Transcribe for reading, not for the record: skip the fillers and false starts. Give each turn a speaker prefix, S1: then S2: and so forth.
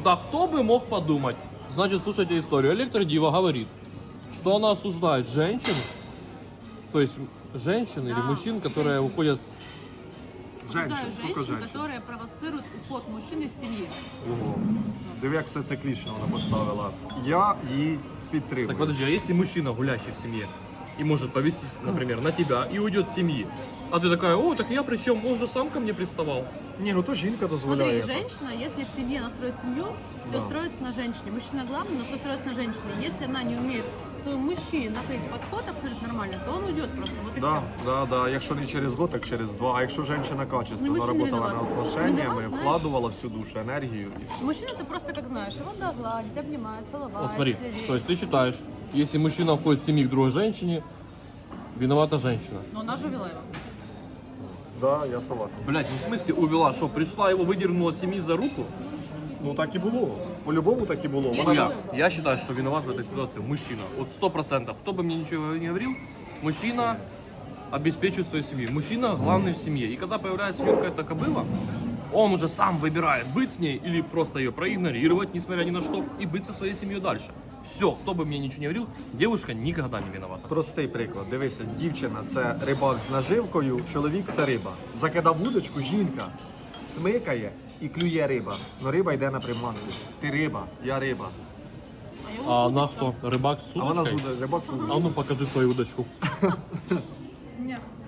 S1: Да кто бы мог подумать? Значит, слушайте историю. Электродива говорит, что она осуждает женщин, то есть женщин или мужчин, которые уходят...
S2: Осуждаю
S3: только
S2: женщин,
S3: женщин.
S2: которые провоцируют уход мужчин из семьи.
S3: Ого. Диви, як все циклічно вона поставила. Я її підтримую.
S1: Так подожди, а если мужчина, гулящий в семье, и может повестись, например, на тебя и уйдет с семьи, а ты такая, о, так я причем, он же сам ко мне приставал.
S3: Ні, ну то жінка дозволяє.
S2: Смотри, женщина, если в семье она строит семью, все
S3: Да.
S2: строится на женщине. Мужчина главный, но все строится на женщине. Если она не умеет своему мужчине находить подход абсолютно нормально, то он уйдет просто. Вот и
S3: Да,
S2: все.
S3: да, да. Якщо не через год, так через 2. А якщо жінка качественно
S2: Ну, мужчина
S3: работала над
S2: виноват.
S3: отношеннями,
S2: Виноват, знаєш.
S3: вкладувала всю душу, енергію. І все.
S2: Мужчина ты просто как знаешь, его надо гладить, обнимать, целовать.
S1: Вот смотри,
S2: следить.
S1: то есть ты считаешь, если мужчина входит в семью к другой женщине, виновата женщина.
S2: Но она же увела его.
S3: Да, я согласен.
S1: Блять, ну в смысле увела, что пришла его выдернула с семьи за руку?
S3: Ну так і було. По-любому так і було.
S2: Є
S3: Вона
S2: таке?
S1: Я считаю, что виноват в этой ситуации мужчина. Вот 100%. Кто бы мне ничего не говорил, мужчина обеспечивает свою семью. Мужчина главный в семье. И когда появляется у него какая-то кобыла, он уже сам выбирает, быть с ней или просто ее проигнорировать, несмотря ни на что, и быть со своей семьей дальше. Все, кто бы мне ничего не говорил, девушка никогда не виновата.
S3: Простий приклад. Дивися, дівчина це рибак з наживкою, чоловік це риба. Закидав вудочку, жінка смикає і клює риба. Но риба йде на приманку. Ти риба, я риба.
S1: А она что, рыбак с
S3: А вона
S1: удочкой?
S3: з рибак.
S1: А ну покажи свою удочку.
S2: Нет.